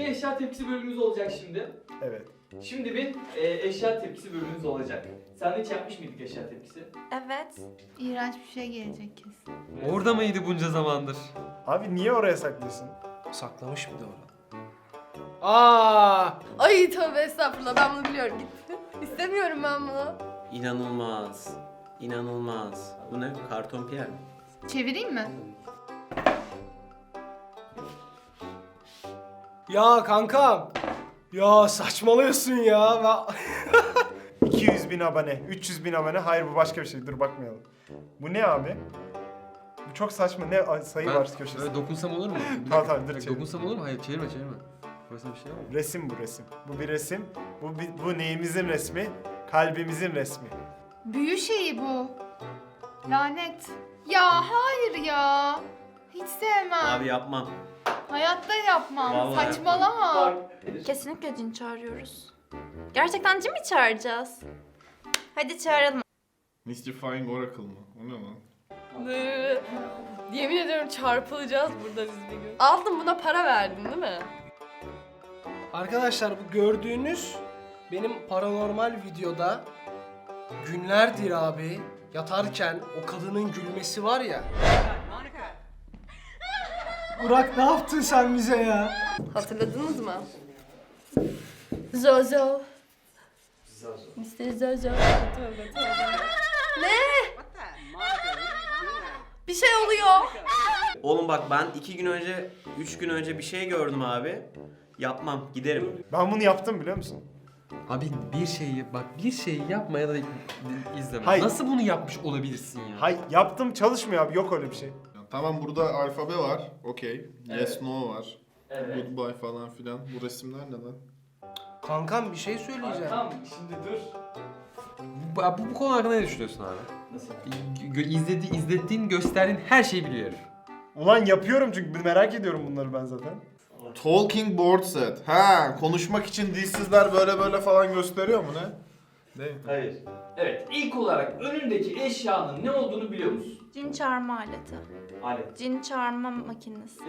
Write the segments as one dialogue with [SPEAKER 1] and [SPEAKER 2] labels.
[SPEAKER 1] eşya tepkisi bölümümüz olacak şimdi.
[SPEAKER 2] Evet.
[SPEAKER 1] Şimdi bir eşya tepkisi bölümümüz olacak. Sen de hiç yapmış mıydık eşya tepkisi?
[SPEAKER 3] Evet.
[SPEAKER 4] İğrenç bir şey gelecek kesin.
[SPEAKER 5] Orada mıydı bunca zamandır?
[SPEAKER 2] Abi niye oraya saklıyorsun?
[SPEAKER 6] Saklamış bir de orada. Aa!
[SPEAKER 7] Ay tövbe estağfurullah, ben bunu biliyorum. Gitti. İstemiyorum ben bunu.
[SPEAKER 8] İnanılmaz. İnanılmaz. Bu ne? Karton piyer mi?
[SPEAKER 4] Çevireyim mi?
[SPEAKER 6] Ya kankam. Ya saçmalıyorsun ya.
[SPEAKER 2] 200.000 abone, 300.000 abone. Hayır bu başka bir şey. Dur bakmayalım. Bu ne abi? Bu çok saçma. Ne sayı var köşesinde.
[SPEAKER 5] Böyle dokunsam olur mu?
[SPEAKER 2] Tamam direkt çevir.
[SPEAKER 5] Dokunsam olur mu? Hayır çevirme. Burasında bir şey var mı?
[SPEAKER 2] Resim bu resim. Bu bir resim. Bu neyimizin resmi? Kalbimizin resmi.
[SPEAKER 4] Büyü şeyi bu. Lanet. Ya hayır ya. Hiç sevmem.
[SPEAKER 8] Abi yapmam.
[SPEAKER 4] Hayatta yapmam.
[SPEAKER 8] Vallahi
[SPEAKER 4] Saçmalama.
[SPEAKER 1] Bak.
[SPEAKER 3] Kesinlikle cin çağırıyoruz. Gerçekten cin mi çağıracağız? Hadi çağıralım.
[SPEAKER 9] Mystifying Oracle mı? O ne lan?
[SPEAKER 7] Yemin ediyorum çarpılacağız burada biz bir gün. Aldın, buna para verdin değil mi?
[SPEAKER 6] Arkadaşlar bu gördüğünüz benim paranormal videoda günlerdir abi yatarken o kadının gülmesi var ya. Burak ne yaptın sen bize ya?
[SPEAKER 7] Hatırladınız mı? Zozo. Mr. Zozo. Tövbe tövbe. Ne? Bir şey oluyor.
[SPEAKER 8] Oğlum bak ben 2 gün önce, 3 gün önce bir şey gördüm abi. Yapmam. Giderim.
[SPEAKER 2] Ben bunu yaptım biliyor musun?
[SPEAKER 5] Abi bir şeyi yapmaya da izleme.
[SPEAKER 2] Hayır.
[SPEAKER 5] Nasıl bunu yapmış olabilirsin ya?
[SPEAKER 2] Hay yaptım çalışmıyor abi. Yok öyle bir şey.
[SPEAKER 9] Ya tamam burada alfabe var. Okey.
[SPEAKER 1] Evet.
[SPEAKER 9] Yes, no var.
[SPEAKER 1] Evet.
[SPEAKER 9] Goodbye falan filan. Bu resimler ne lan?
[SPEAKER 6] Kankam bir şey söyleyeceğim.
[SPEAKER 1] Tamam şimdi dur.
[SPEAKER 5] Bu konu hakkında ne düşünüyorsun abi?
[SPEAKER 1] Nasıl?
[SPEAKER 5] İzlettiğin, gösterdiğin her şeyi biliyor herif.
[SPEAKER 2] Ulan yapıyorum çünkü merak ediyorum bunları ben zaten.
[SPEAKER 9] Talking board set. Ha, konuşmak için dilsizler böyle falan gösteriyor mu ne? Değil.
[SPEAKER 1] Hayır. Evet, ilk olarak önündeki eşyanın ne olduğunu biliyor musun?
[SPEAKER 3] Cin çağırma aleti.
[SPEAKER 1] Alet.
[SPEAKER 3] Cin çağırma makinesi.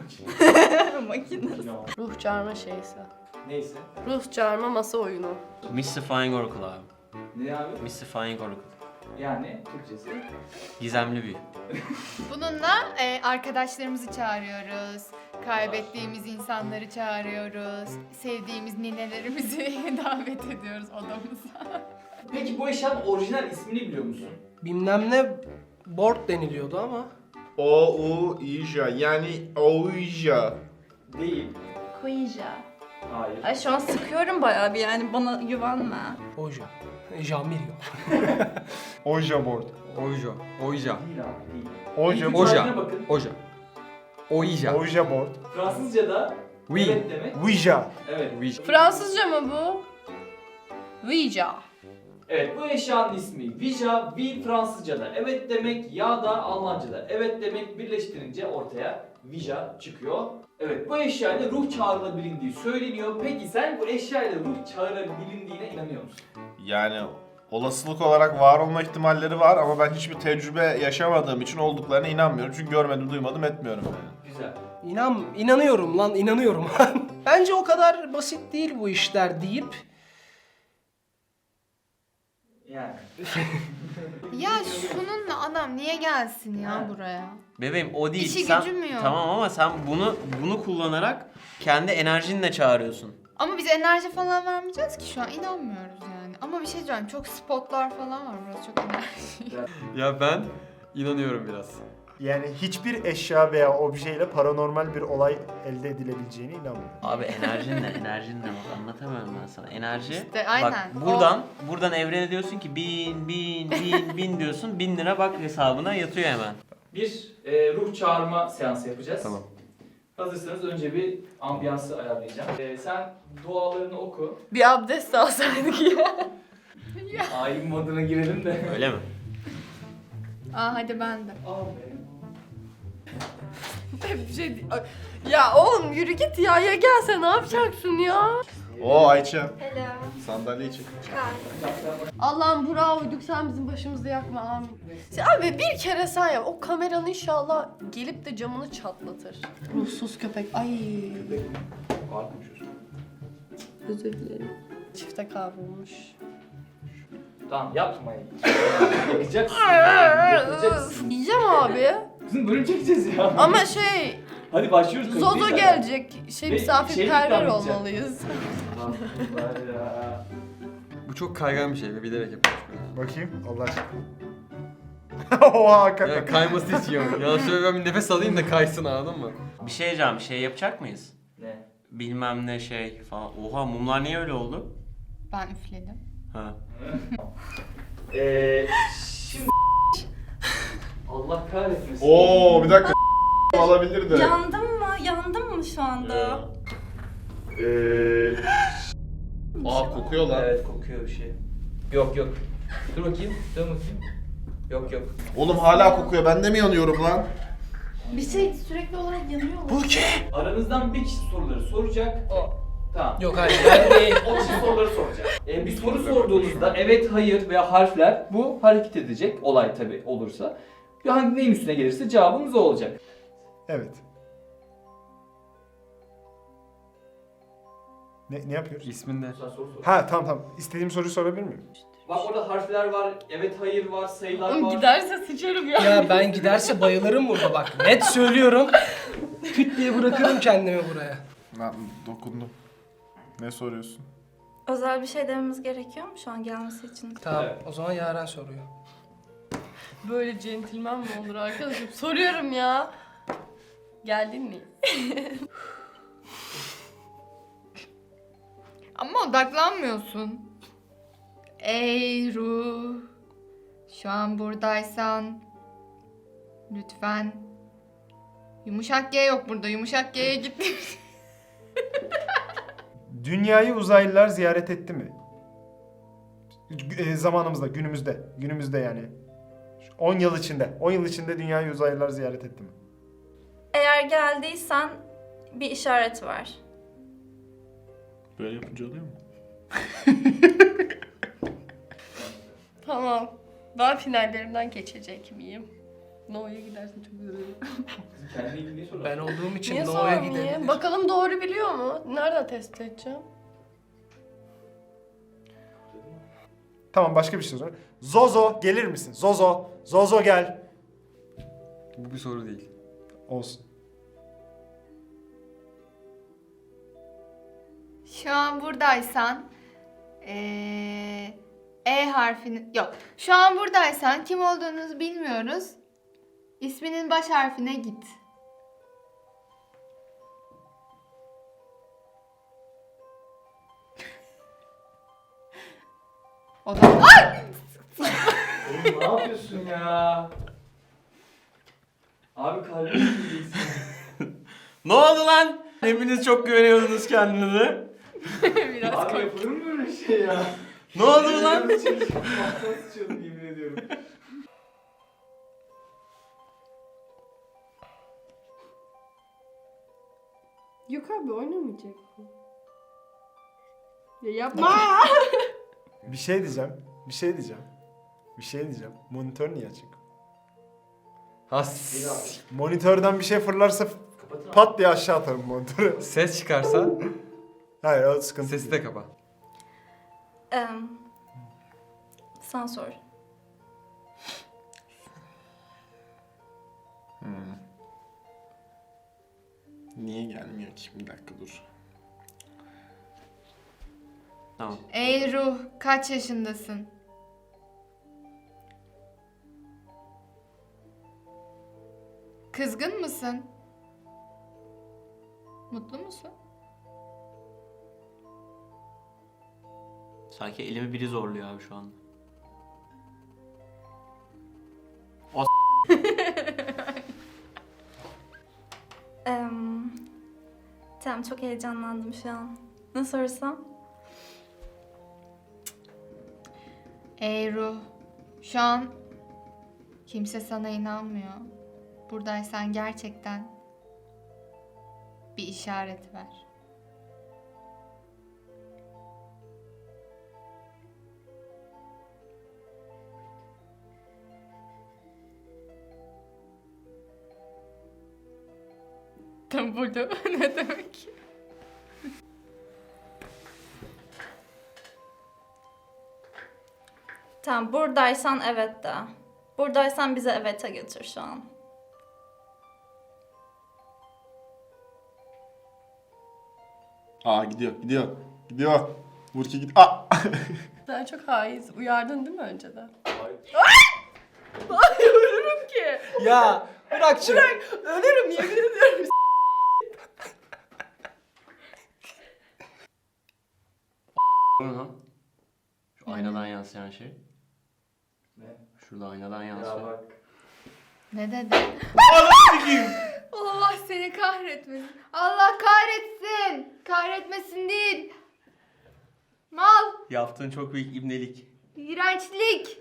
[SPEAKER 3] Makinesi.
[SPEAKER 1] No.
[SPEAKER 7] Ruh çağırma şeysi.
[SPEAKER 1] Neyse.
[SPEAKER 7] Ruh çağırma masa oyunu.
[SPEAKER 8] Mystifying Oracle abi.
[SPEAKER 1] Ne abi?
[SPEAKER 8] Mystifying Oracle.
[SPEAKER 1] Yani Türkçesi.
[SPEAKER 8] Gizemli büyü.
[SPEAKER 4] Bununla arkadaşlarımızı çağırıyoruz. Kaybettiğimiz insanları çağırıyoruz. Sevdiğimiz ninelerimizi davet ediyoruz odamıza.
[SPEAKER 1] Peki bu eşyanın orijinal ismini biliyor musun?
[SPEAKER 6] Bilmem ne board deniliyordu ama.
[SPEAKER 9] Ouija yani Ouija.
[SPEAKER 1] Değil.
[SPEAKER 3] Ouija.
[SPEAKER 1] Hayır.
[SPEAKER 3] Ay şu an sıkıyorum bayağı bir, yani bana güvenme.
[SPEAKER 6] Oja. Jamirio.
[SPEAKER 2] Ouija board.
[SPEAKER 5] Ouija.
[SPEAKER 1] Değil abi değil.
[SPEAKER 2] Ouija
[SPEAKER 1] İlk
[SPEAKER 2] board.
[SPEAKER 1] üç harfine bakın.
[SPEAKER 5] Ouija.
[SPEAKER 2] Ouija board.
[SPEAKER 1] Fransızca'da
[SPEAKER 5] Oui.
[SPEAKER 1] evet demek.
[SPEAKER 2] Ouija.
[SPEAKER 1] Evet.
[SPEAKER 5] Ouija.
[SPEAKER 7] Fransızca mı bu?
[SPEAKER 4] Ouija.
[SPEAKER 1] Evet bu eşyanın ismi Ouija, oui Fransızca'da evet demek, ya da Almanca'da evet demek, birleştirince ortaya Ouija çıkıyor. Evet bu eşyayla ruh çağrılabilindiği söyleniyor. Peki sen bu eşyayla ruh çağrılabilindiğine inanıyor musun?
[SPEAKER 9] Yani olasılık olarak var olma ihtimalleri var ama ben hiçbir tecrübe yaşamadığım için olduklarına inanmıyorum. Çünkü görmedim, duymadım, etmiyorum yani.
[SPEAKER 1] Güzel.
[SPEAKER 6] İnanıyorum lan, inanıyorum. Bence o kadar basit değil bu işler deyip
[SPEAKER 1] Yani.
[SPEAKER 4] Ya şununla adam niye gelsin ya buraya?
[SPEAKER 8] Bebeğim o değil.
[SPEAKER 4] İşi
[SPEAKER 8] sen,
[SPEAKER 4] gücüm yok.
[SPEAKER 8] Tamam ama sen bunu kullanarak kendi enerjinle çağırıyorsun.
[SPEAKER 4] Ama biz enerji falan vermeyeceğiz ki şu an, inanmıyoruz yani. Ama bir şey diyeceğim, çok spotlar falan var burası, çok enerji.
[SPEAKER 5] Ya ben inanıyorum biraz.
[SPEAKER 2] Yani hiçbir eşya veya objeyle paranormal bir olay elde edilebileceğine inanmıyorum.
[SPEAKER 8] Abi enerjinle bak anlatamıyorum ben sana. Enerji.
[SPEAKER 4] İşte aynen.
[SPEAKER 8] Bak buradan evrene diyorsun ki bin diyorsun. 1000 lira bak hesabına yatıyor hemen.
[SPEAKER 1] Bir ruh çağırma seansı yapacağız.
[SPEAKER 5] Tamam.
[SPEAKER 1] Hazırsanız önce bir ambiyansı ayarlayacağım. Sen dualarını oku.
[SPEAKER 7] Bir abdest alsaydık ya.
[SPEAKER 1] Ayin moduna girelim de.
[SPEAKER 8] Öyle mi?
[SPEAKER 4] Aa hadi ben de.
[SPEAKER 1] Abi.
[SPEAKER 7] Bir şey değil. Ya oğlum yürü git ya gelse ne yapacaksın ya?
[SPEAKER 9] Oo Ayça.
[SPEAKER 3] Hello.
[SPEAKER 9] Sandalye çek.
[SPEAKER 7] Allah'ım Burak'a uyduk, sen bizim başımızı yakma amin. Abi bir kere sen yap. O kameranın inşallah gelip de camını çatlatır. Ruhsuz köpek. Ay.
[SPEAKER 1] Korkmuşuz.
[SPEAKER 7] Özür dilerim. Çifte kavrulmuş.
[SPEAKER 1] Tamam yapmayın. Yakacaksın. Yakacaksın.
[SPEAKER 7] Yiyeceğim abi.
[SPEAKER 1] Bizim bölüm çekeceğiz ya.
[SPEAKER 7] Ama şey,
[SPEAKER 1] Hadi başlıyoruz.
[SPEAKER 7] Zozo gelecek.
[SPEAKER 1] Ve
[SPEAKER 7] Misafirperver
[SPEAKER 1] ikram edeceğim.
[SPEAKER 7] olmalıyız.
[SPEAKER 1] Var ya.
[SPEAKER 5] Bu çok kaygan bir şey ve bilerek yapılmış.
[SPEAKER 2] Bakayım Allah aşkına. Oha hakikaten.
[SPEAKER 5] Ya kayması için yok. Ya şöyle ben bir nefes alayım da kaysın, anladın mı?
[SPEAKER 8] Bir şey diyeceğim, şey yapacak mıyız?
[SPEAKER 1] Ne?
[SPEAKER 8] Bilmem ne şey falan. Oha, mumlar niye öyle oldu?
[SPEAKER 4] Ben üfledim.
[SPEAKER 8] Ha.
[SPEAKER 1] Şimdi Allah kahretmesin.
[SPEAKER 9] Oo bir dakika alabilir de.
[SPEAKER 3] Yandım mı? Yandım mı şu anda?
[SPEAKER 9] Aa kokuyor lan.
[SPEAKER 1] Evet kokuyor bir şey. Yok yok. Dur bakayım. Dur bakayım. Yok yok.
[SPEAKER 9] Oğlum hala kokuyor. Ben de mi yanıyorum lan?
[SPEAKER 7] Bir şey sürekli olarak yanıyor mu?
[SPEAKER 1] Aranızdan bir kişi soruları soracak. Tamam.
[SPEAKER 6] Yok hayır ben değil.
[SPEAKER 1] O kişi soruları soracak. Bir soru sorduğunuzda evet, hayır veya harfler bu hareket edecek. Olay tabi olursa. Hangi neyin üstüne gelirse cevabımız o olacak.
[SPEAKER 2] Evet. Ne yapıyoruz?
[SPEAKER 5] İsminde.
[SPEAKER 1] Sen soru sor.
[SPEAKER 2] Ha tamam. İstediğim soruyu sorabilir miyim?
[SPEAKER 1] Bak orada harfler var, evet hayır var, sayılar
[SPEAKER 7] Oğlum
[SPEAKER 1] var.
[SPEAKER 7] giderse sıçarım ya.
[SPEAKER 6] Ya ben giderse bayılırım burada bak. Net söylüyorum. Küt diye bırakırım kendimi buraya.
[SPEAKER 9] Ben dokundum. Ne soruyorsun?
[SPEAKER 3] Özel bir şey dememiz gerekiyor mu şu an gelmesi için?
[SPEAKER 6] Tamam
[SPEAKER 1] Evet.
[SPEAKER 6] o zaman Yaren soruyor.
[SPEAKER 7] Böyle centilmen mi olur arkadaşım? Soruyorum ya. Geldin mi?
[SPEAKER 4] Ama odaklanmıyorsun. Ey ruh, şu an buradaysan lütfen. Yumuşak G yok burada. Yumuşak G'ye gitti.
[SPEAKER 2] Dünyayı uzaylılar ziyaret etti mi? Zamanımızda, günümüzde. Günümüzde yani. 10 yıl içinde. 10 yıl içinde dünyayı uzaylılar ziyaret etti mi?
[SPEAKER 3] Eğer geldiysen bir işaret var.
[SPEAKER 9] Böyle yapınca oluyor mu?
[SPEAKER 7] Tamam. Ben finallerimden geçecek miyim? No'ya gidersin çok üzülürüm.
[SPEAKER 1] Kendine ilgili ne sorular?
[SPEAKER 6] Ben olduğum için
[SPEAKER 7] Niye
[SPEAKER 6] No'ya
[SPEAKER 7] sormayayım?
[SPEAKER 6] gidebilir.
[SPEAKER 7] Bakalım doğru biliyor mu? Nereden test edeceğim?
[SPEAKER 2] Tamam başka bir şey sorayım. Zozo gelir misin? Zozo. Zozo gel.
[SPEAKER 5] Bu bir soru değil.
[SPEAKER 2] Olsun.
[SPEAKER 4] Şu an buradaysan E harfini yok. Şu an buradaysan kim olduğunuzu bilmiyoruz. İsminin baş harfine git. O da
[SPEAKER 1] Oğlum ne yapıyorsun ya? Abi kalbim değilsin.
[SPEAKER 8] Ne oldu lan? Hepiniz çok güveniyordunuz kendinize.
[SPEAKER 7] Biraz
[SPEAKER 1] Abi yapılır mı böyle şey ya?
[SPEAKER 8] Ne oldu lan?
[SPEAKER 1] Altına sıçıyordum yemin ediyorum.
[SPEAKER 7] Yok abi oynamayacak mı? Ya yapma.
[SPEAKER 2] Bir şey diyeceğim. Bir şey diyeceğim. Bir şey diyeceğim. Monitör niye açık?
[SPEAKER 5] Has.
[SPEAKER 2] Monitörden bir şey fırlarsa
[SPEAKER 1] Kapatın abi.
[SPEAKER 2] pat diye aşağı atarım monitörü.
[SPEAKER 5] Ses çıkarsa
[SPEAKER 2] Hayır o sıkıntı
[SPEAKER 5] sesi
[SPEAKER 2] değil.
[SPEAKER 5] de kapa.
[SPEAKER 3] Sen sor.
[SPEAKER 9] Niye gelmiyor ki? Bir dakika dur.
[SPEAKER 8] Tamam.
[SPEAKER 4] Ey ruh, kaç yaşındasın? Kızgın mısın? Mutlu musun?
[SPEAKER 8] Sanki elimi biri zorluyor abi şu anda.
[SPEAKER 3] Tamam çok heyecanlandım şu an. Ne sorsam?
[SPEAKER 4] Ey ruh, şu an kimse sana inanmıyor. Buradaysan gerçekten bir işaret ver.
[SPEAKER 7] Tam burada ne demek?
[SPEAKER 3] Tamam, buradaysan evet de. Buradaysan bize evet'e götür şu an.
[SPEAKER 9] Aa gidiyor. Burki git. Aa!
[SPEAKER 7] Sen çok haiz. Uyardın değil mi önceden?
[SPEAKER 1] Hayır.
[SPEAKER 7] Ay ölürüm ki.
[SPEAKER 6] Ya bırak şunu.
[SPEAKER 7] Ölürüm yemin ediyorum.
[SPEAKER 8] Şu aynadan yansıyan şey.
[SPEAKER 1] Ne?
[SPEAKER 8] Şurada aynadan
[SPEAKER 1] Ya
[SPEAKER 8] yansıyor.
[SPEAKER 1] bak.
[SPEAKER 4] Ne dedi? Allah seni kahretmesin. Allah kahretsin. Kahretmesin değil. Mal.
[SPEAKER 8] Yaptığın çok büyük ibnelik.
[SPEAKER 4] İğrençlik.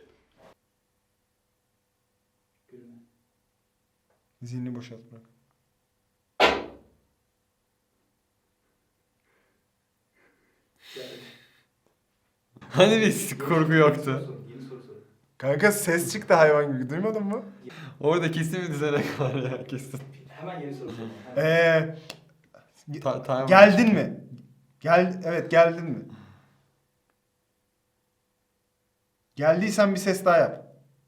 [SPEAKER 1] Gülme.
[SPEAKER 2] Zihnini boşalt bırak.
[SPEAKER 5] Hani bir korku yoktu.
[SPEAKER 1] Yeni soru sor.
[SPEAKER 2] Kanka ses çıktı hayvan gibi, duymadın mı?
[SPEAKER 5] Orada kesin bir düzenek var ya kesin.
[SPEAKER 1] Hemen yeni soru sor. Hemen.
[SPEAKER 5] Time
[SPEAKER 2] Geldin mi? Evet, geldin mi? Geldiysen bir ses daha yap.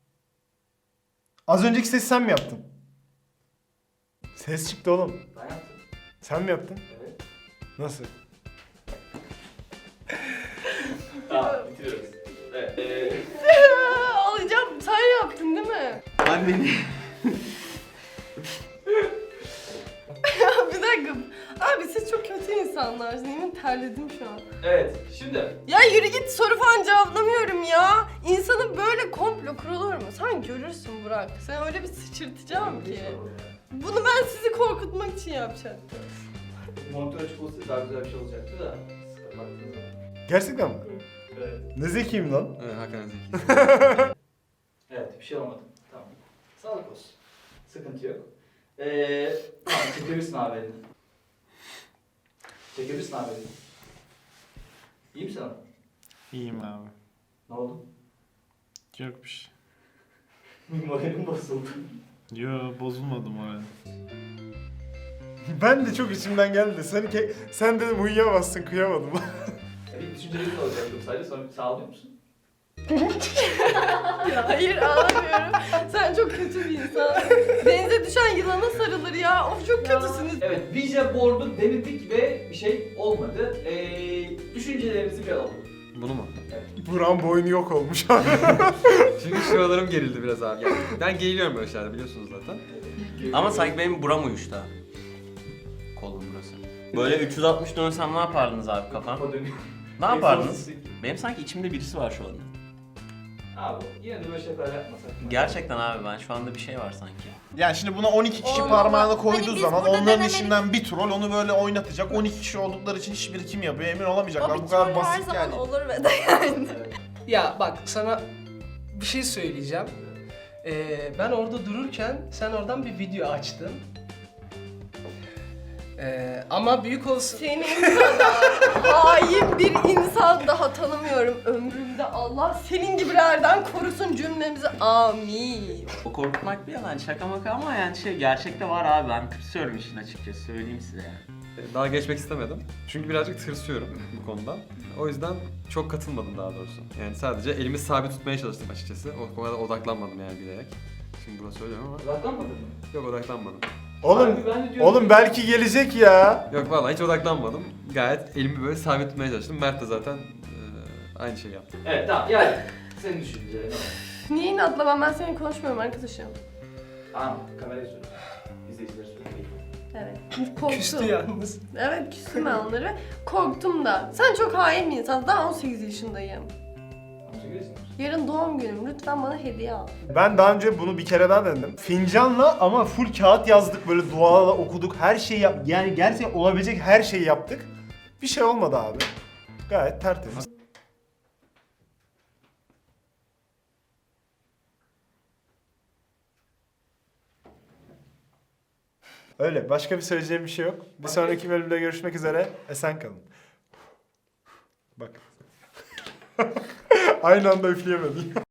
[SPEAKER 2] Az önceki sesi sen mi yaptın? Ses çıktı oğlum.
[SPEAKER 1] Ben yaptım.
[SPEAKER 2] Sen mi yaptın?
[SPEAKER 1] Evet.
[SPEAKER 2] Nasıl?
[SPEAKER 1] Tamam bitiriyoruz. Evet.
[SPEAKER 7] Alacağım. Sen yaptın değil mi?
[SPEAKER 8] Anneni.
[SPEAKER 7] Bir dakika. Abi siz çok kötü insanlarsınız. Yemin terledim şu an.
[SPEAKER 1] Evet. Şimdi.
[SPEAKER 7] Ya yürü git, soru falan cevaplamıyorum ya. İnsanın böyle komplo kurulur mu? Sen görürsün Burak. Sen öyle bir sıçırtacağım ki. Bunu ben sizi korkutmak için yapacaktım.
[SPEAKER 1] Monitör açık olsaydı daha güzel bir şey olacaktı da. Baktığınız zaman.
[SPEAKER 2] Gerçekten mi?
[SPEAKER 1] Evet.
[SPEAKER 2] Ne zekiyim lan?
[SPEAKER 5] Evet hakikaten zeki.
[SPEAKER 1] Evet bir şey olmadı. Tamam. Sağlık olsun. Sıkıntı yok. Tamam çekebilirsin abi elini. Çekebilirsin abi elini. İyi misin abi?
[SPEAKER 9] İyiyim abi.
[SPEAKER 1] Ne oldu?
[SPEAKER 9] Yok bir şey.
[SPEAKER 1] Moralim bozuldu.
[SPEAKER 9] Yo bozulmadım oraya.
[SPEAKER 2] Ben de çok içimden geldi. Sen dedim uyuyamazsın, kıyamadım.
[SPEAKER 1] Bir düşüncelerin olacaktım sadece sonra sağlıyor musun?
[SPEAKER 7] Ya hayır, ağlamıyorum. Sen çok kötü bir insansın. Denize düşen yılana sarılır ya. Of çok kötüsünüz.
[SPEAKER 1] Evet, Ouija board'u denedik ve bir şey olmadı. Düşüncelerinizi bir alalım.
[SPEAKER 5] Bunu mu?
[SPEAKER 2] Buran boynu yok olmuş abi.
[SPEAKER 5] Çünkü şuralarım gerildi biraz abi. Yani ben geriliyorum böyle şeylerde biliyorsunuz zaten.
[SPEAKER 8] Ama sanki benim buram uyuştu ha. Kolum burası. Böyle 360 dönsem ne yapardınız abi kafam?
[SPEAKER 1] Kafa dönüyor.
[SPEAKER 8] Ne yapardınız? Benim sanki içimde birisi var şu anda.
[SPEAKER 1] Abi yine de böyle şeyler yapmasak.
[SPEAKER 8] Gerçekten abi ben şu anda bir şey var sanki.
[SPEAKER 9] Yani şimdi buna 12 kişi
[SPEAKER 3] Olmaz.
[SPEAKER 9] parmağını koyduğu
[SPEAKER 3] Hani biz
[SPEAKER 9] zaman
[SPEAKER 3] burada
[SPEAKER 9] onların
[SPEAKER 3] denemedik.
[SPEAKER 9] içinden bir troll onu böyle oynatacak. 12 kişi oldukları için hiçbiri kim yapıyor emin olamayacaklar.
[SPEAKER 3] O
[SPEAKER 9] Bu
[SPEAKER 3] bir
[SPEAKER 9] kadar
[SPEAKER 3] troll her
[SPEAKER 9] basit
[SPEAKER 3] zaman
[SPEAKER 9] yani.
[SPEAKER 3] olur ve de yani.
[SPEAKER 1] Evet.
[SPEAKER 6] Ya bak sana bir şey söyleyeceğim. Ben orada dururken sen oradan bir video açtın. Ama büyük olsun.
[SPEAKER 7] Senin kadar hain bir insan daha tanımıyorum ömrümde. Allah senin gibilerden korusun cümlemizi. Amin.
[SPEAKER 8] O korkutmak bir yalan şaka maka ama yani şey gerçekte var abi ben tırsıyorum işin açıkçası söyleyeyim size yani.
[SPEAKER 5] Daha geçmek istemedim. Çünkü birazcık tırsıyorum bu konuda. O yüzden çok katılmadım daha doğrusu. Yani sadece elimi sabit tutmaya çalıştım açıkçası. O kadar odaklanmadım yani bilerek. Şimdi bunu söylüyorum ama
[SPEAKER 1] Odaklanmadın mı?
[SPEAKER 5] yok odaklanmadım.
[SPEAKER 2] Oğlum,
[SPEAKER 1] Abi ben de diyorum
[SPEAKER 2] oğlum
[SPEAKER 1] ki-
[SPEAKER 2] belki gelecek ya.
[SPEAKER 5] Yok vallahi hiç odaklanmadım. Gayet elimi böyle sabit tutmaya çalıştım. Mert de zaten aynı şeyi yaptı.
[SPEAKER 1] Evet tamam yani senin düşüncelerin ama.
[SPEAKER 7] Niye inatla ben seninle konuşmuyorum arkadaşım.
[SPEAKER 1] Tamam kamerayı söyle. İzleyiciler söyle.
[SPEAKER 7] Evet. Korktum.
[SPEAKER 6] Küstü yalnız.
[SPEAKER 7] Evet küstüm ben onları. Korktum da. Sen çok hain bir insansın. Daha 18 yaşındayım.
[SPEAKER 1] Ama söylüyorsun.
[SPEAKER 7] Yarın doğum günüm. Lütfen bana hediye al.
[SPEAKER 2] Ben daha önce bunu bir kere daha denedim. Fincanla ama full kağıt yazdık, böyle dualarla okuduk, her şeyi yani gerçekten olabilecek her şeyi yaptık. Bir şey olmadı abi. Gayet tertemiz. Öyle. Başka bir söyleyeceğim bir şey yok. Bir sonraki bölümde görüşmek üzere. Esen kalın. Bak. Aynı anda üfleyemedim.